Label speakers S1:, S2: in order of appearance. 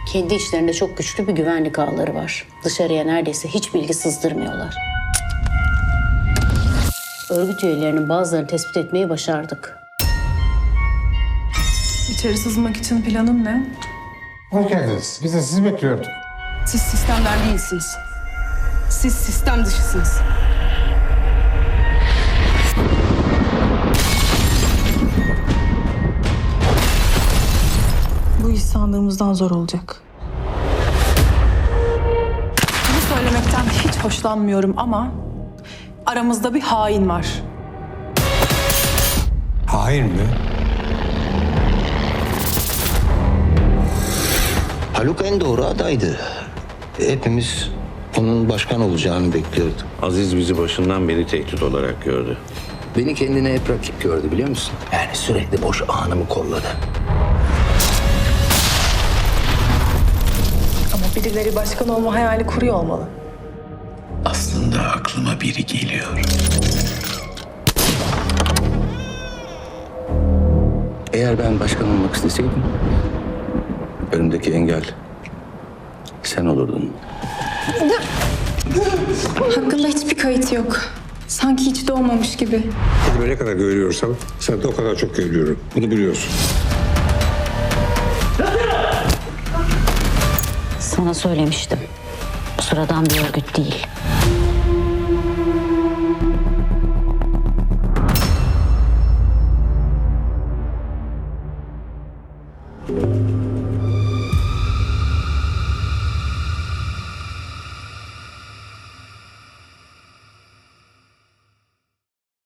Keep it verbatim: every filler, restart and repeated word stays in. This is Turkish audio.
S1: Kendi içlerinde çok güçlü bir güvenlik ağları var. Dışarıya neredeyse hiç bilgi sızdırmıyorlar. Örgüt üyelerinin bazılarını tespit etmeyi başardık.
S2: İçeri sızmak için planın ne?
S3: Hoş geldiniz. Biz de sizi bekliyorduk.
S2: Siz sistemden değilsiniz. Siz sistem dışısınız. Bu iş sandığımızdan zor olacak. Bunu söylemekten hiç hoşlanmıyorum ama aramızda bir hain var.
S3: Hain mi?
S4: Haluk en doğru adaydı. Hepimiz onun başkan olacağını bekliyorduk.
S5: Aziz bizi başından beri tehdit olarak gördü.
S4: Beni kendine hep rakip gördü biliyor musun? Yani sürekli boş anımı kolladı.
S2: Ama birileri başkan olma hayali kuruyor olmalı.
S4: Aslında aklıma biri geliyor. Eğer ben başkan olmak isteseydim, önümdeki engel sen olurdun.
S6: Hakkında hiçbir kayıt yok. Sanki hiç doğmamış gibi.
S3: Kendime ne kadar görüyorsam sen de o kadar çok görüyorum. Bunu biliyorsun.
S1: Sana söylemiştim. Sıradan bir örgüt değil.